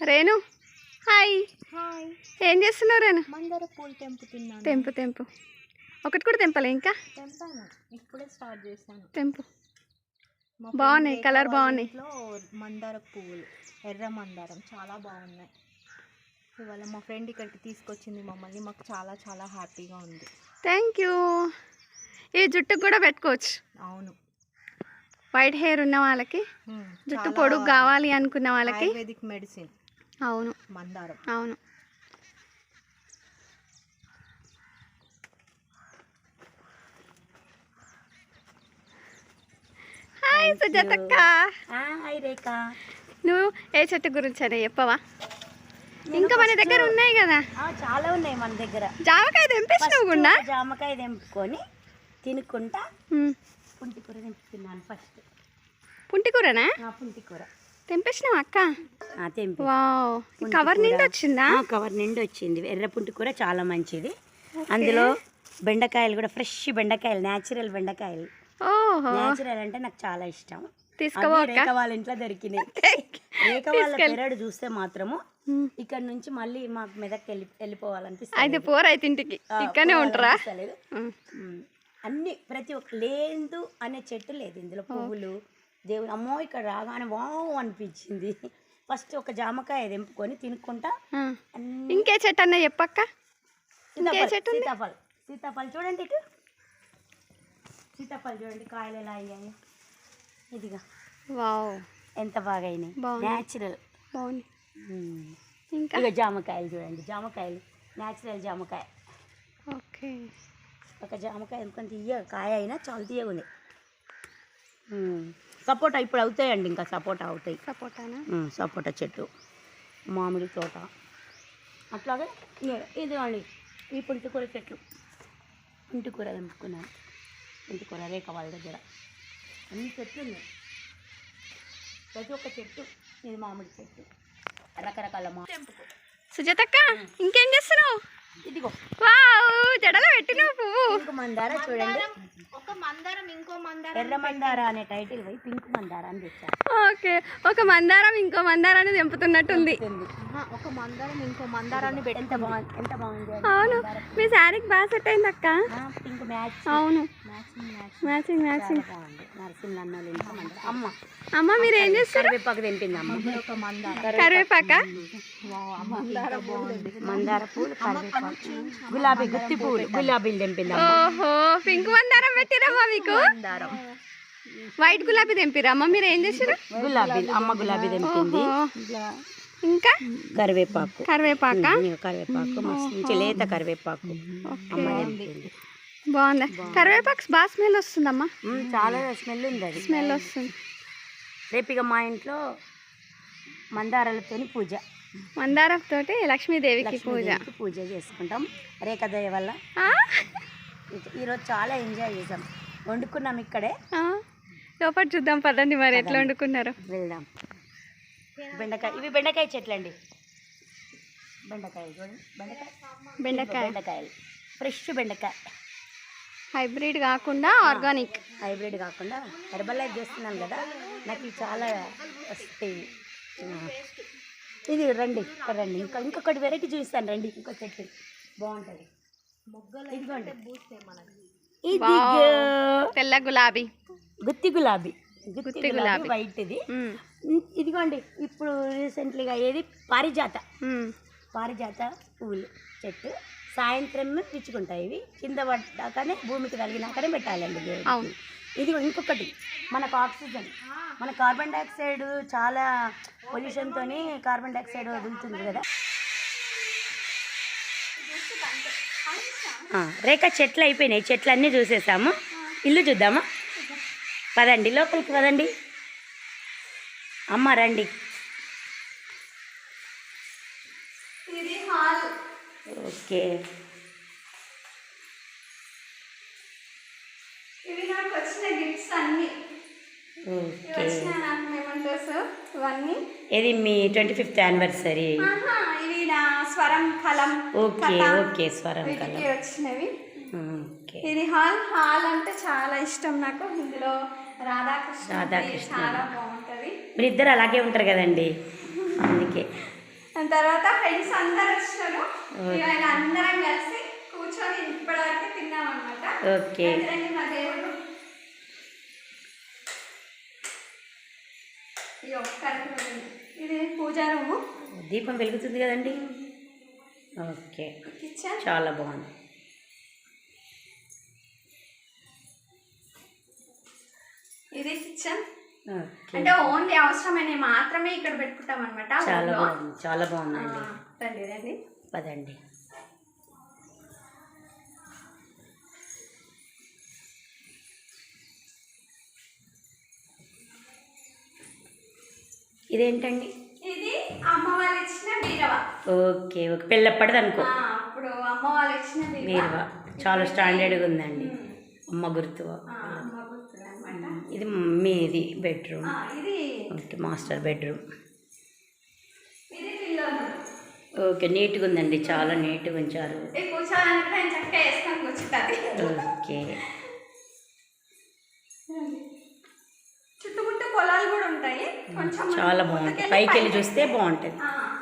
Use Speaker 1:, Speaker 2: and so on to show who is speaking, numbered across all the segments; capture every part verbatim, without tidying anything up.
Speaker 1: Renu hi.
Speaker 2: Hi.
Speaker 1: ఏం చేస్తున్నావు రేణు?
Speaker 2: మందార పూలు తెంపుతున్నాను.
Speaker 1: తెంపు తెంపు. ఒకటి కూడా తెంపలే ఇంకా?
Speaker 2: తెంపాను, ఇప్పుడే స్టార్ట్ చేశాను.
Speaker 1: తెంపు. బాగున్నాయి, కలర్ బాగున్నాయి.
Speaker 2: ఇంట్లో మందార పువ్వులు, ఎర్ర మందారం చాలా బాగున్నాయి. ఇవాళ మా ఫ్రెండ్ ఇక్కడికి తీసుకొచ్చింది మమ్మల్ని. మాకు చాలా చాలా హ్యాపీగా ఉంది.
Speaker 1: Thank you. ఈ జుట్టుకు కూడా పెట్టుకోవచ్చు.
Speaker 2: అవును,
Speaker 1: వైట్ హెయిర్ ఉన్న వాళ్ళకి, జుట్టు పొడుగు కావాలి అనుకున్న వాళ్ళకి
Speaker 2: ఆయుర్వేదిక్ మెడిసిన్.
Speaker 1: అవును,
Speaker 2: మందారం.
Speaker 1: అవును. హాయ్ సుజాతక్క.
Speaker 2: హాయ్ రేఖ.
Speaker 1: నువ్వు ఏ చెట్టు గురించి అని చెప్పవా? ఇంకా మన దగ్గర ఉన్నాయి కదా,
Speaker 2: చాలా ఉన్నాయి మన దగ్గర.
Speaker 1: జామకాయ తెంపేసినావు కూడా?
Speaker 2: జామకాయ తెంపుకొని తినుకుంటా పుంటికూర తెంపుతున్నాను ఫస్ట్.
Speaker 1: పుంటికూరనా?
Speaker 2: పుంటికూర
Speaker 1: తెంపేసినావు అక్క?
Speaker 2: తెంపి.
Speaker 1: వావ్, కవర్ నిండి వచ్చిందా?
Speaker 2: కవర్ నిండి వచ్చింది. ఎర్ర పుంటికూర చాలా మంచిది. అందులో బెండకాయలు కూడా, ఫ్రెష్ బెండకాయలు, న్యాచురల్ బెండకాయలు. న్యాచురల్ అంటే నాకు చాలా ఇష్టం.
Speaker 1: తీసుకోవా?
Speaker 2: రేఖ వాళ్ళ ఇంట్లో దొరికినాయి. రేఖ వాళ్ళ పెరడు చూస్తే మాత్రము ఇక్కడ నుంచి మళ్ళీ మాకు మెదక్ వెళ్ళి వెళ్ళిపోవాలనిపిస్తుంది.
Speaker 1: అయితే పోరు అయితే ఇంటికి ఇక్కడనే ఉంటారా?
Speaker 2: అన్ని ప్రతి ఒక్క లేదు అనే చెట్టు లేదు ఇందులో. పువ్వులు దేవుడు, అమ్మో ఇక్కడ రాగానే వావ్ అనిపించింది. ఫస్ట్ ఒక జామకాయ తెంపుకొని తినుకుంటా.
Speaker 1: ఇంకే చెట్టు అన్న చెప్పక్క.
Speaker 2: సీతాఫల్. సీతాఫల్ చూడండి, ఇటు సీతాఫల్ చూడండి, కాయలు ఎలా అయ్యాయి. ఇదిగా
Speaker 1: వావ్,
Speaker 2: ఎంత బాగా అయినాయి. న్యాచురల్
Speaker 1: బాగుంది. ఇంకా
Speaker 2: ఇక జామకాయలు చూడండి, జామకాయలు న్యాచురల్ జామకాయ.
Speaker 1: ఓకే,
Speaker 2: ఒక జామకాయ ఎందుకంటే తీయ కాయ అయినా చాలా తీయగా ఉంది. సపోటా ఇప్పుడు అవుతాయండి, ఇంకా సపోటా అవుతాయి.
Speaker 1: సపోటానా?
Speaker 2: సపోటా చెట్టు, మామిడి తోట, అట్లాగే ఇదిగోండి ఈ పుంటికూర చెట్లు. పుంటికూర తెంపుకున్నాను. పుంటికూర రేఖ వాళ్ళ దగ్గర అన్ని చెట్లు ఉన్నాయి. ప్రతి ఒక్క చెట్టు. ఇది మామిడి చెట్టు, రకరకాల మా తెంపుకో.
Speaker 1: సుజాతక్క, ఇంకేం చేస్తున్నావు?
Speaker 2: ఇదిగో
Speaker 1: వావ్, జడలో పెట్టినావు పువ్వు.
Speaker 2: పింక్ మందార చూడండి.
Speaker 1: ఒక మందారం ఇంకో మందారం,
Speaker 2: ఎర్ర మందార అనే టైటిల్ పోయి పింక్ మందార అని తెచ్చారు.
Speaker 1: ఓకే, ఒక మందారం ఇంకో మందారాన్ని తెంపుతున్నట్టుంది.
Speaker 2: ఒక మందారం ఇంకో మందారాన్ని పెట్టి ఎంత బాగుంది, ఎంత బాగుంది.
Speaker 1: అవును, మీ శారీకి బాగా సెట్ అయింది అక్క.
Speaker 2: Pink match.
Speaker 1: అవును,
Speaker 2: మ్యాచింగ్
Speaker 1: మ్యాచింగ్.
Speaker 2: నరసింహ అమ్మ
Speaker 1: అమ్మ మీరు ఏం చేస్తారు?
Speaker 2: కరివేపాకు తెంపింది అమ్మ. ఒక మందార,
Speaker 1: కరివేపాక,
Speaker 2: మందార పూలు, కరివేపాకు, గులాబీ గుత్తి పూలు, గులాబీలు తెంపింది.
Speaker 1: ఓహో, పింక్ మందారం పెట్టిరమ్మా మీకు. వైట్ గులాబీ తెంపిరమ్మా. మీరు ఏం చేసారు?
Speaker 2: గులాబీ, అమ్మ గులాబీ తెంపింది.
Speaker 1: ఇంకా
Speaker 2: కరివేపాకు,
Speaker 1: కరివేపాక,
Speaker 2: కరివేపాకు మంచి లేత కరివేపాకు అమ్మ తెంపింది.
Speaker 1: బాగుందా? కరివేపాకు బాగా స్మెల్ వస్తుందమ్మా.
Speaker 2: చాలా స్మెల్ ఉంది, అది
Speaker 1: స్మెల్ వస్తుంది.
Speaker 2: రేపు ఇక మా ఇంట్లో మందారాలతో పూజ,
Speaker 1: మందారంతోటి లక్ష్మీదేవికి పూజ
Speaker 2: పూజ చేసుకుంటాం. రేఖ దయ వల్ల ఈరోజు చాలా ఎంజాయ్ చేసాం. వండుకున్నాం ఇక్కడే.
Speaker 1: లోపల చూద్దాం పదండి, మరి ఎట్లా వండుకున్నారు.
Speaker 2: వెళ్దాం. బెండకాయ, ఇవి బెండకాయ చెట్లు అండి. బెండకాయలు చూడండి, బెండకాయ
Speaker 1: బెండకాయ
Speaker 2: బెండకాయలు ఫ్రెష్ బెండకాయ,
Speaker 1: హైబ్రిడ్ కాకుండా ఆర్గానిక్.
Speaker 2: హైబ్రిడ్ కాకుండా హెర్బల్ లైఫ్ చేస్తున్నాను కదా, నాకు ఇవి చాలా వస్తాయి. ఇది రండి, ఇక్కడ రండి, ఇంకా ఇంకొకటి వెరైటీ చూపిస్తాను రండి. ఇంకో చెట్టు బాగుంటుంది. ఇదిగోండి,
Speaker 1: తెల్ల గులాబీ,
Speaker 2: గుత్తి గులాబీ, గుత్తి గులాబీ వైట్. ఇది ఇదిగోండి, ఇప్పుడు రీసెంట్లీగా ఏది పారిజాత, పారిజాత పువ్వులు చెట్టు. సాయంత్రం పిచ్చుకుంటాయి ఇవి, కింద పడ్డాకనే భూమికి తగిలినాకనే పెట్టాలండి. ఇది ఇంకొకటి మనకు ఆక్సిజన్, మన కార్బన్ డైఆక్సైడ్ చాలా పొల్యూషన్తో కార్బన్ డైఆక్సైడ్ వదులుతుంది కదా. రేఖ చెట్లు అయిపోయినాయి, చెట్లు అన్నీ చూసేసాము. ఇల్లు చూద్దామా? పదండి, లోపలికి పదండి. అమ్మ రండి. ఓకే,
Speaker 1: ఇవి నాకు వచ్చిన గిఫ్ట్స్ అన్ని. ఇవన్నీ
Speaker 2: ఇది మీ ట్వంటీ ఫిఫ్త్ యానివర్సరీ.
Speaker 1: ఇవి నా స్వరం కలం.
Speaker 2: ఓకే ఓకే, స్వరం కలం
Speaker 1: వచ్చినవి. ఇది హాల్. హాల్ అంటే చాలా ఇష్టం నాకు. ఇందులో రాధాకృష్ణ, రాధాకృష్ణ చాలా బాగుంటుంది.
Speaker 2: మీరు ఇద్దరు అలాగే ఉంటారు కదండి, అందుకే
Speaker 1: దాని తర్వాత ఫ్రెండ్స్ అందరు వచ్చినారు. ఇవాళ అందరం కలిసి కూర్చొని ఇప్పటివరకు తిన్నాం అనమాట.
Speaker 2: ఓకే.
Speaker 1: మా దేవుడు ఇది పూజా రూము.
Speaker 2: దీపం వెలుగుతుంది కదండి. ఓకే.
Speaker 1: కిచెన్
Speaker 2: చాలా బాగుంది.
Speaker 1: ఇది కిచెన్. అంటే ఓన్లీ అవసరమైన మాత్రమే ఇక్కడ పెట్టుకుంటాం అనమాట.
Speaker 2: చాలా బాగుంది, చాలా బాగుందండి.
Speaker 1: రండి రండి
Speaker 2: పదండి. ఇదేంటండి?
Speaker 1: ఇది అమ్మ వాళ్ళు ఇచ్చిన బీరవా.
Speaker 2: Okay okay. పెళ్ళప్పటిది అనుకో.
Speaker 1: అప్పుడు అమ్మ వాళ్ళు ఇచ్చిన
Speaker 2: బీరవా చాలా స్టాండర్డ్గా ఉందండి. అమ్మ గుర్తు. ఇది మీది bedroom. Okay. Master bedroom. Okay. నీట్గా ఉందండి, చాలా నీట్గా ఉంచారు. ఓకే.
Speaker 1: చుట్టుముట్టు పొలాలు కూడా ఉంటాయి. కొంచెం
Speaker 2: చాలా బాగుంటుంది. పైకి వెళ్ళి చూస్తే బాగుంటుంది.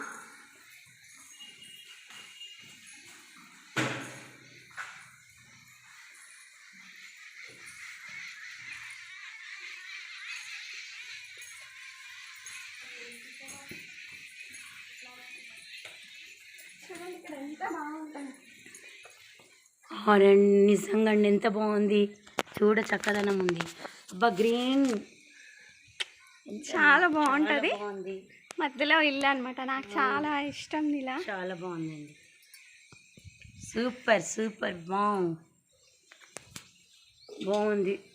Speaker 2: నిజంగా అండి ఎంత బాగుంది. చూడ చక్కదనం ఉంది. అబ్బా గ్రీన్
Speaker 1: చాలా బాగుంటుంది. మధ్యలో ఇల్లు అనమాట. నాకు చాలా ఇష్టం ఇలా.
Speaker 2: చాలా బాగుందండి. సూపర్ సూపర్ బాగుంది బాగుంది.